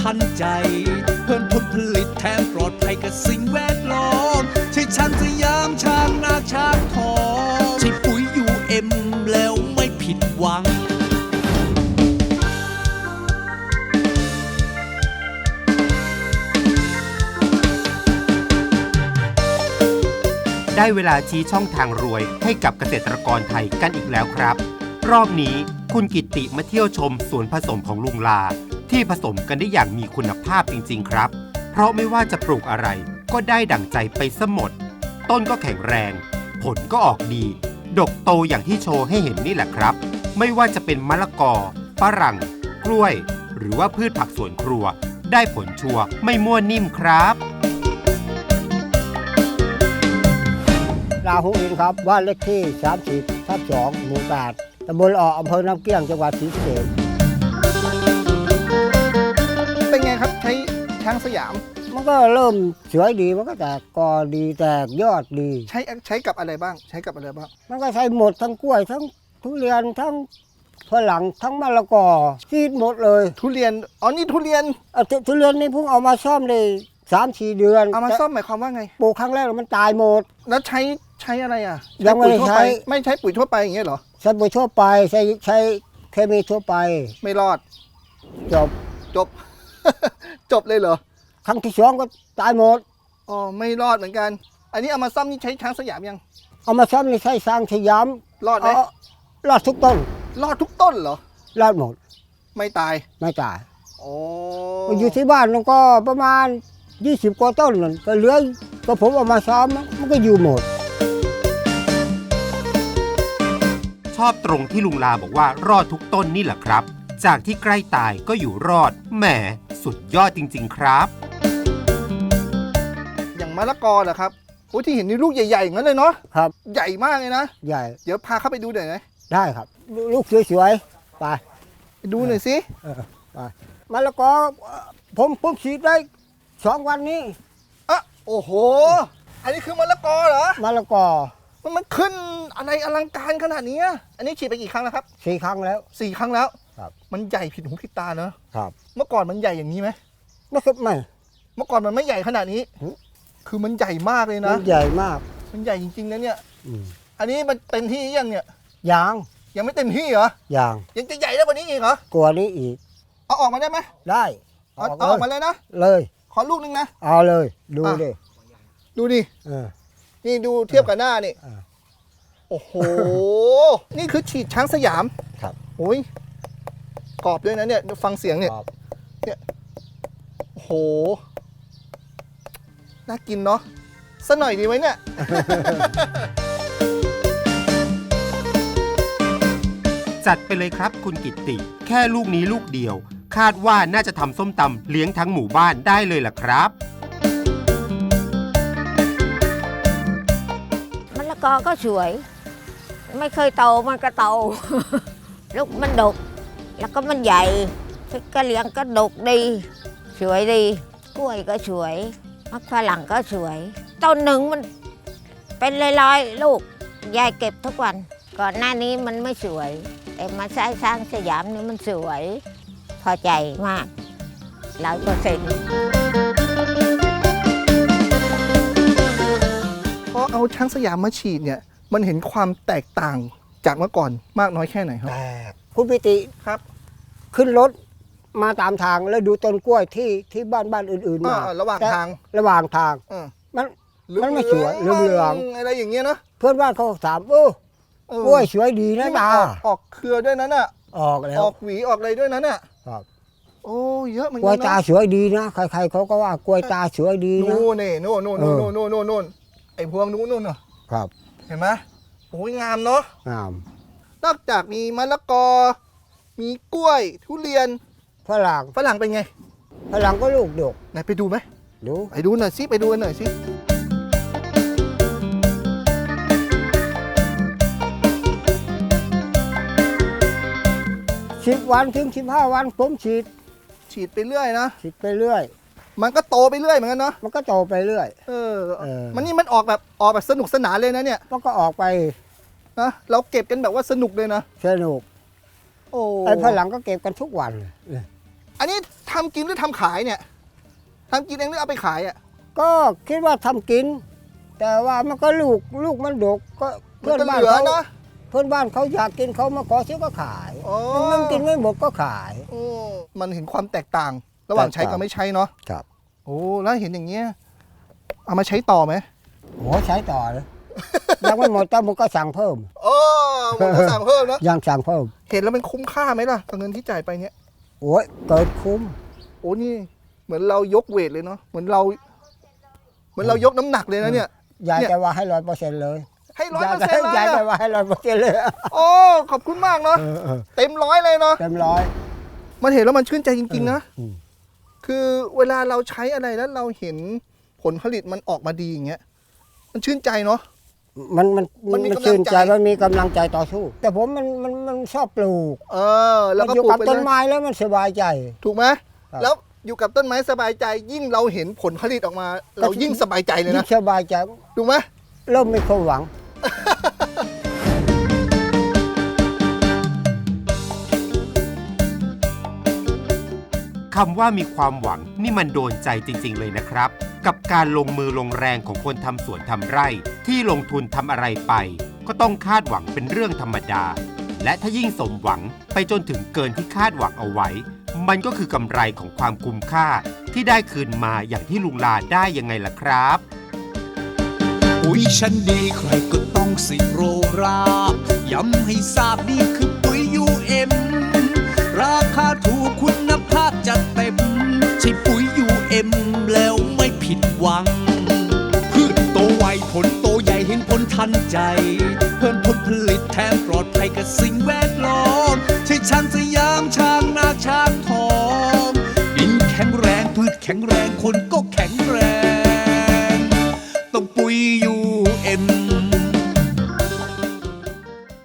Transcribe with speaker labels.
Speaker 1: ทันใจเพิ่มผลผลิตแถมปลอดภัยกับสิ่งแวดล้อมใช่ช้างสยามช้างนาช้างทองใช่ปุ๋ยUMแล้วไม่ผิดหวัง
Speaker 2: ได้เวลาชี้ช่องทางรวยให้กับเกษตรกรไทยกันอีกแล้วครับรอบนี้คุณกิตติมาเที่ยวชมสวนผสมของลุงลาที่ผสมกันได้อย่างมีคุณภาพจริงๆครับเพราะไม่ว่าจะปลูกอะไรก็ได้ดั่งใจไปซะหมดต้นก็แข็งแรงผลก็ออกดีดกโตอย่างที่โชว์ให้เห็นนี่แหละครับไม่ว่าจะเป็นมะละกอฝรั่งกล้วยหรือว่าพืชผักสวนครัวได้ผลชัวร์ไม่มั่วนิ่มครับ
Speaker 3: ลาหูอินครับบ้านเลขที่30/2หมู่8ตำบลออำเภอน้ำเกลี้ยงจังหวัดศรีสะเกษ
Speaker 4: เป็นไงครับใช้ช้างสยาม
Speaker 3: มันก็เริ่มสวยดีมันก็แตกกอดีแตกยอดดี
Speaker 4: ใช้กับอะไรบ้างใช้กับอะไรบ้าง
Speaker 3: มันก็ใช้หมดทั้งกล้วยทั้งทุเรียนทั้งฝรั่งทั้งมะละกอซีดหมดเลย
Speaker 4: ทุเรียนอ๋อนี่ทุเรียน
Speaker 3: ทุเรียนนี่เพิ่งเอามาซ่อมได้3-4 เดือน
Speaker 4: เอามาซ่อมหมายความว่าไง
Speaker 3: ปลูกครั้งแรกมันตายหมด
Speaker 4: แล้วใช้อะไรอ่ะ
Speaker 3: ยังไม่ใช้
Speaker 4: ไม่ใช้ปุ๋ยทั่วไปอย่างเงี้ยเหรอ
Speaker 3: ใช้ปุ๋ยทั่วไปใช้เคมีทั่วไป
Speaker 4: ไม่รอด
Speaker 3: จบ
Speaker 4: จบเลยเหรอ
Speaker 3: ครั้งที่2ก็ตายหมด
Speaker 4: อ๋อไม่รอดเหมือนกันอันนี้เอามาซ่อมนี่ใช้ช้างสยามยัง
Speaker 3: เอามาซ่อมนี่ใช้ช้างสยาม
Speaker 4: รอดไหม
Speaker 3: รอดทุกต้น
Speaker 4: รอดทุกต้นเหรอ
Speaker 3: รอดหมด
Speaker 4: ไม่ตาย
Speaker 3: โอ้อยู่ที่บ้านมันก็ประมาณ20 กว่าต้นนั่นก็เหลือก็ผมเอามาซ้อมมันก็อยู่หมด
Speaker 2: ชอบตรงที่ลุงลาบอกว่ารอดทุกต้นนี่แหละครับจากที่ใกล้ตายก็อยู่รอดแหมสุดยอดจริงๆครับ
Speaker 4: อย่างมะละกอเหรอครับโอ้ที่เห็นนี่ลูกใหญ่ๆอย่างนั้นเลยเนาะ
Speaker 3: ครับ
Speaker 4: ใหญ่มากเลยนะ
Speaker 3: ใหญ่
Speaker 4: เดี๋ยวพาเข้าไปดูหน่อยนะ
Speaker 3: ได้ครับลูกสวยๆไป
Speaker 4: ดูหน่อยสิ
Speaker 3: ไปมะละกอผมฉีดได้2 วันนี้
Speaker 4: โอ้โหอันนี้คือมะละกอเหรอ
Speaker 3: มะละกอ
Speaker 4: มันขึ้นอะไรอลังการขนาดนี้อันนี้ฉีดไปกี่ครั้งแล้วครับ
Speaker 3: 4 ครั้งแล้ว
Speaker 4: 4 ครั้งแล้ว
Speaker 3: ครับ
Speaker 4: มันใหญ่ผิดหูผิดตาเนอะ
Speaker 3: ครับ
Speaker 4: เมื่อก่อนมันใหญ่อย่างนี้ไหม
Speaker 3: ไม่
Speaker 4: เมื่อก่อนมันไม่ใหญ่ขนาดนี้คือมันใหญ่มากเลยนะ
Speaker 3: ใหญ่มาก
Speaker 4: มันใหญ่จริงๆนะเนี่ยอันนี้มันเต็มที่ยังเนี่ย
Speaker 3: ยัง
Speaker 4: ไม่เต็มที่เหรอยังจะใหญ่ได้กว่านี้อีกเหร
Speaker 3: อกว่านี้อีก
Speaker 4: เอาออกมาได้ไหม
Speaker 3: ได้
Speaker 4: เอาออกมาเลยนะ
Speaker 3: เลย
Speaker 4: ขอลูกนึงนะ
Speaker 3: เอาเลยดู
Speaker 4: ดินี่ดูเทียบกับหน้านี่โอ้โหนี่คือฉีดช้างสยาม
Speaker 3: ครับ
Speaker 4: โอ้ยกรอบด้วยนะเนี่ยฟังเสียงเนี่ยโอ้โหน่ากินเนาะสักหน่อยดีไหมเนี่ย
Speaker 2: จัดไปเลยครับคุณกิตติแค่ลูกนี้ลูกเดียวคาดว่าน่าจะทำส้มตำเลี้ยงทั้งหมู่บ้านได้เลยล่ะครับ
Speaker 5: มะละกอก็สวยไม่เคยโตมันก็โตลูกมันดกแล้วก็มันใหญ่ก็เลี้ยงก็ดกดีสวยดีกล้วยก็สวยมะฝรั่งก็สวยต้นหนึ่งมันเป็นร้อยๆลูกยายเก็บทุกวันก่อนหน้านี้มันไม่สวยแต่มาใช้ช้างสยามนี่มันสวยพอใจมาก100%
Speaker 4: พอเอาช้างสยามมาฉีดเนี่ยมันเห็นความแตกต่างจากเมื่อก่อนมากน้อยแค่ไหนครับ
Speaker 3: คุณปิติ
Speaker 4: ครับ
Speaker 3: ขึ้นรถมาตามทางแล้วดูต้นกล้วยที่บ้านอื่นๆมา
Speaker 4: ระหว่างทาง
Speaker 3: มันไม่สวยเหลือง
Speaker 4: อะไรอย่างเงี้ยนะ
Speaker 3: เพื่อนบ้านเขาถามโอ้กล้วยสวยดีนะตา
Speaker 4: ออกเครือด้วยนั้นอ่ะ
Speaker 3: ออกแล้ว
Speaker 4: ออกหวีออกอะไรด้วยนั้นอ่ะ
Speaker 3: ครับ
Speaker 4: โอ้เยอะเหมือนกัน
Speaker 3: กล้วยตาสวยดีนะใครๆเขาก็ว่ากล้วยตาสวยดีนะ
Speaker 4: นู่นไอ้พวงนู่นเหรอ
Speaker 3: ครับ
Speaker 4: เห็นไหมโอ้ยงามเนาะ
Speaker 3: งาม
Speaker 4: นอกจากมีมะละกอมีกล้วยทุเรียน
Speaker 3: ฝรั่ง
Speaker 4: เป็นไง
Speaker 3: ฝรั่งก็ลูกดก
Speaker 4: ไหนไปดูไหมไปดูหน่อยสิไปดูกันหน่อยสิ
Speaker 3: 10 วันถึง15 วันผมฉีด
Speaker 4: ไปเรื่อยนะ
Speaker 3: ฉีดไปเรื่อย
Speaker 4: มันก็โตไปเรื่อยเหมือนกันเนาะ
Speaker 3: มันก็โตไปเรื่อย
Speaker 4: มันออกแบบสนุกสนานเลยนะเนี่ย
Speaker 3: มันก็ออกไป
Speaker 4: นะเราเก็บกันแบบว่าสนุกเลยนะ
Speaker 3: สนุกไอ้ฝรั่งก็เก็บกันทุกวัน
Speaker 4: อันนี้ททำกินหรือทำขายเนี่ยทำกินเองหรือเอาไปขายอ่ะ
Speaker 3: ก็คิดว่าทำกิน แต่ว่ามันก็ลูกมันดกก็
Speaker 4: มัน
Speaker 3: เพื่อน
Speaker 4: จะ
Speaker 3: บ้าน
Speaker 4: เหลือ
Speaker 3: เขา
Speaker 4: เนาะ
Speaker 3: เพื่อนบ้านเขาอยากกินเขามาขอซื้อก็ขาย
Speaker 4: อ๋อ
Speaker 3: มันกินไม่หมดก็ขาย
Speaker 4: มันเห็นความแตกต่าง ระหว่างใช้กับไม่ใช้เนาะ
Speaker 3: ครับ
Speaker 4: โอ้แล้วเห็นอย่างเงี้ยเอามาใช้ต่อไหม
Speaker 3: โอ้ใช้ต่อเลยยังไม่หมดแต่ผมก็สั่งเพิ่ม
Speaker 4: โอ้ผมก็สั่งเพิ่มนะ
Speaker 3: ยังสั่งเพิ่ม
Speaker 4: เห็นแล้วมันคุ้มค่าไหมล่ะกับเงินที่จ่ายไปเนี่ย
Speaker 3: โอ้ยเกิดคุ้ม
Speaker 4: โอ้นี่เหมือนเรายกเวทเลยเนาะเหมือนเรายกน้ำหนักเลยนะเนี่ย
Speaker 3: ยาย
Speaker 4: เนี่ย
Speaker 3: จะว่าให้100%เลย
Speaker 4: ให้100%เลย
Speaker 3: ยายจะ
Speaker 4: อะ
Speaker 3: ว่าให้100%เลย
Speaker 4: โอ้ขอบคุณมากเนาะเต็มร้อยเลยเนาะ
Speaker 3: เต็มร้อย
Speaker 4: มันเห็นแล้วมันชื่นใจจริงๆนะ
Speaker 3: อืม
Speaker 4: คือเวลาเราใช้อะไรแล้วเราเห็นผลผลิตมันออกมาดีอย่างเงี้ยมันชื่นใจเนาะ
Speaker 3: มัน
Speaker 4: มีกำลัง
Speaker 3: ชื่นใจ
Speaker 4: ใจ
Speaker 3: มันมีกำลังใจต่อสู้ แต่ผมมันชอบปลูก
Speaker 4: แล้วก็
Speaker 3: อยู่
Speaker 4: ปลูก
Speaker 3: กับ
Speaker 4: ไป
Speaker 3: ต้น
Speaker 4: เลย
Speaker 3: ไม้แล้วมันสบายใจ
Speaker 4: ถูกไหม
Speaker 3: ครับ
Speaker 4: แล้วอยู่กับต้นไม้สบายใจยิ่งเราเห็นผลผลิตออกมา เรายิ่งสบายใจเลย
Speaker 3: ยิ่
Speaker 4: นะ
Speaker 3: งสบายใจ
Speaker 4: ถูกไหม
Speaker 3: เริ่มมีความหวัง
Speaker 2: คำว่ามีความหวังนี่มันโดนใจจริงๆเลยนะครับ กับการลงมือลงแรงของคนทำสวนทำไร่ ที่ลงทุนทำอะไรไป ก็ต้องคาดหวังเป็นเรื่องธรรมดา และถ้ายิ่งสมหวังไปจนถึงเกินที่คาดหวังเอาไว้ มันก็คือกำไรของความคุ้มค่าที่ได้คืนมาอย่างที่ลุงลาได้ยังไงล่ะครับ
Speaker 1: ปุ๋ยชั้นดีใครก็ต้องสิโรราบย้ำให้ทราบนี่คือปุ๋ย UM ราคาถูกคุณภาพจัดเต็มใช่ปุ๋ย UM แล้วไม่ผิดหวัง พืชโตไวผลโตใหญ่เห็นผลทันใจ เพิ่มผลผลิตแถมปลอดภัยกับสิ่งแวดล้อมใช่ช้างสยามช้างนาช้างทองดินแข็งแรงพืชแข็งแรงคนก็แข็งแรง